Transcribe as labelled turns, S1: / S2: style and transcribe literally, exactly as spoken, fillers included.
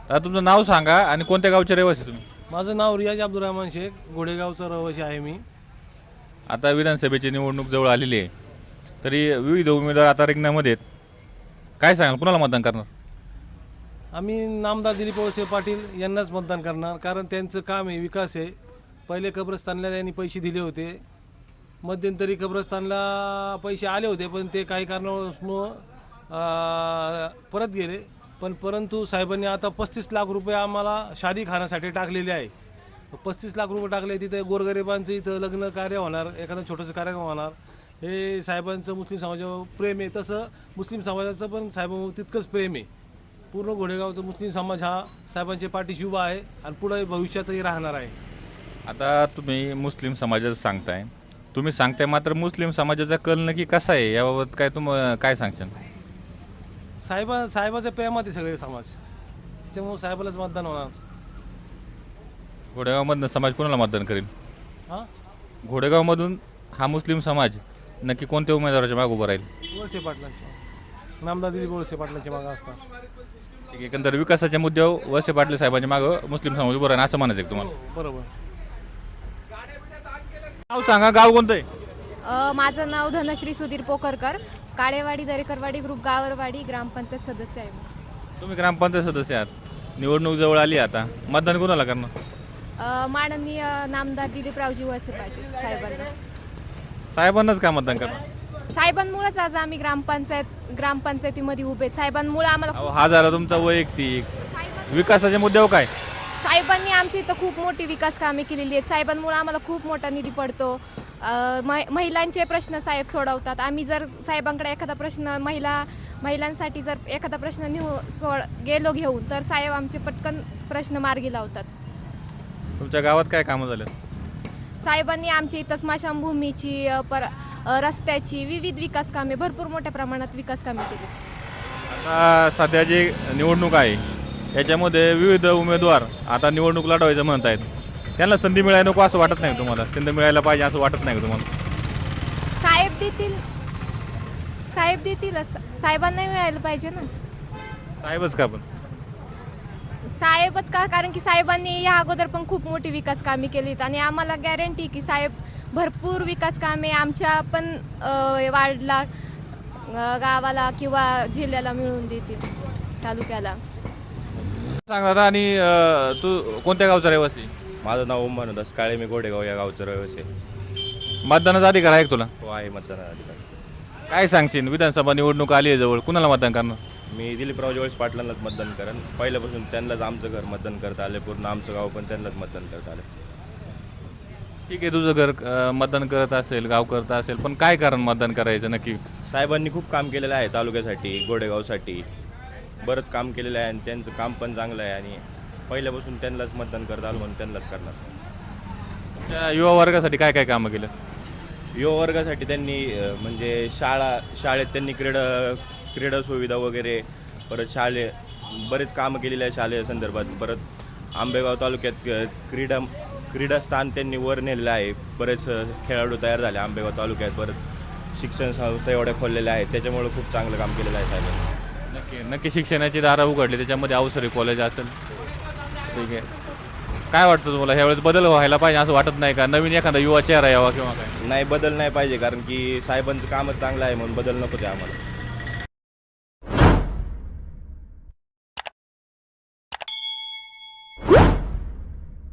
S1: आता तुमचं नाव सांगा आणि कोणत्या गावचे रहिवासी तुम्ही?
S2: माझं नाव रियाज अब्दुलरहमान शेख, घोडेगावचा रहिवासी आहे मी.
S1: आता विधानसभेची निवडणूक जवळ आलेली आहे, तरी विविध उमेदवार आता रिंगणामध्ये आहेत. काय सांगाल, कुणाला मतदान करणार?
S2: आम्ही नामदार दिलीप वळसे पाटील यांनाच मतदान करणार, कारण त्यांचं काम आहे, विकास आहे. पहिले कब्रस्तानला त्यांनी पैसे दिले होते, मध्यंतरी कब्रस्तानला पैसे आले होते, पण ते काही कारणामुळं परत गेले. पण परंतु साहेबांनी आता पस्तीस लाख रुपये आम्हाला शादी खाण्यासाठी टाकलेले आहे. पस्तीस लाख रुपये टाकले, तिथे गोरगरिबांचं इथं लग्न कार्य होणार, एखादं छोटंसं कार्यक्रम होणार. हे साहेबांचं मुस्लिम समाजावर प्रेम आहे, तसं मुस्लिम समाजाचं पण साहेबांवर तितकंच प्रेम आहे. पूर्ण घोडेगावचा मुस्लिम समाज हा साहेबांच्या पाठीशी उभा आहे आणि पुढे भविष्यातही राहणार आहे.
S1: आता तुम्ही मुस्लिम समाजाचं सांगताय, तुम्ही सांगताय, मात्र मुस्लिम समाजाचा कल नक्की कसा आहे याबाबत काय तुम काय सांगशाल?
S2: साहेबा साहेबाच्या प्रेमात आहे सगळे समाज, त्याच्यामुळे साहेबालाच मतदान होणार.
S1: घोडेगावमधनं समाज कोणाला मतदान करेल?
S2: हां,
S1: घोडेगावमधून हा मुस्लिम समाज नक्की कोणत्या उमेदवाराच्या मागे उभं राहील?
S2: वळसे पाटलांच्या, नामदार दिलीप वळसे पाटलांच्या मागं असणार.
S1: ठीक आहे, एकंदर विकासाच्या मुद्द्यावर वळसे पाटील साहेबांच्या मागं मुस्लिम समाज उभं राहील असं म्हणायचं आहे तुम्हाला?
S2: हो, बरोबर.
S1: नाव सांगा, गाव कोणतं आहे?
S3: अ, माझं नाव धनश्री सुधीर पोखरकर, काळेवाडी दरेकरवाडी ग्रुप गावरवाडी ग्रामपंचायत सदस्य आहे.
S1: तुम्ही ग्रामपंचायत सदस्य आहात, निवडणूक जवळ आली, आता मतदान कोणाला करणार?
S3: अ, माननीय नामदार दिलीपरावजी वळसे पाटील साहेबांना.
S1: साहेबांनाच का मतदान करणार?
S3: साहेबांमुळेच आज आम्ही ग्रामपंचायत ग्रामपंचायतीमध्ये उभे आहेत. साहेबांमुळे आम्हाला
S1: अहो, हा झाला तुमचा वैयक्तिक. विकासाच्या मुद्द्यावर काय?
S3: साहेबांनी आमच्या इथं खूप मोठी विकास कामे केलेली आहेत. साहेबांमुळे आम्हाला खूप मोठा निधी पडतो. अ, मै- महिलांचे प्रश्न साहेब सोडवतात. आम्ही जर साहेबांकडे एखादा प्रश्न महिला महिलांसाठी जर एखादा प्रश्न नेऊ सोड गेलो घेऊन, तर साहेब आमचे पटकन प्रश्न मार्गी लावतात.
S1: तुमच्या गावात काय कामं झालं?
S3: साहेबांनी आमच्या इथं स्मशानभूमीची अ, पर अ, रस्त्याची विविध विकास कामे, भरपूर मोठ्या प्रमाणात विकास कामे केली.
S1: आता सध्या जी निवडणूक आहे याच्यामध्ये विविध उमेदवार आता निवडणूक लढवायचं म्हणत आहेत, त्यांना संधी मिळायला नको असं वाटत नाही तुम्हाला? संधी मिळायला पाहिजे असं वाटत नाही का तुम्हाला?
S3: साहेब देतील साहेब देतीलच, साहेबांना मिळायला पाहिजे ना.
S1: साहेबच का? पण
S3: साहेबच का? कारण की साहेबांनी या अगोदर पण खूप मोठी विकास कामे केलीत आणि आम्हाला गॅरंटी की साहेब भरपूर विकास कामे आमच्या पण अ, वार्डला, अ, गावाला किंवा जिल्ह्याला मिळवून देतील, तालुक्याला.
S1: सांग दादा. आणि अं, तू कोणत्या गावचा रहिवासी?
S4: माझं नाव उमन दास काळे, मी गोडेगाव या गावचं रहिवासी आहे.
S1: मतदानाचा अधिकार आहे का तुला?
S4: हो, आहे मतदानाधिकारी.
S1: काय सांगशील, विधानसभा निवडणूक आली आहे जवळ, कुणाला मतदान करणार?
S4: मी दिलीपराव वळसे पाटलांनाच मतदान करेन. पहिल्यापासून त्यांनाच आमचं घर मतदान करता आले, पूर्ण आमचं गाव पण त्यांनाच मतदान करता आले.
S1: ठीक आहे, तुझं घर अं, मतदान करत असेल, गाव करत असेल, पण काय कारण मतदान करायचं नक्की?
S4: साहेबांनी खूप काम केलेलं आहे तालुक्यासाठी, गोडेगावसाठी बरंच काम केलेलं आहे आणि त्यांचं काम पण चांगलं आहे आणि पहिल्यापासून त्यांनाच मतदान करत आलो म्हणून त्यांनाच करणार.
S1: त्या युवा वर्गासाठी काय काय कामं केलं?
S4: युवा वर्गासाठी त्यांनी अ, म्हणजे शाळा शाळेत त्यांनी क्रीडा क्रीडा सुविधा वगैरे, परत शाळे बरेच कामं केलेले आहे शालेय संदर्भात. परत आंबेगाव तालुक्यात अ, क्रीडा क्रीडास्थान त्यांनी वर नेलेलं आहे. बरेच अ, खेळाडू तयार झाले आंबेगाव तालुक्यात. परत शिक्षण संस्था एवढ्या खोललेल्या आहेत, त्याच्यामुळे खूप चांगलं काम केलेलं आहे साहेबांनी.
S1: नक्की नक्की शिक्षणाची दारं उघडली, त्याच्यामध्ये अवसरी कॉलेज असेल. ठीक आहे, काय वाटतं तुम्हाला, ह्यावेळेस बदल व्हायला पाहिजे असं वाटत नाही का? नवीन एखादा युवा चेहरा यावा किंवा काय?
S4: नाही, बदल नाही पाहिजे, कारण की साहेबांचं कामच चांगलं आहे म्हणून बदल नको ते आम्हाला.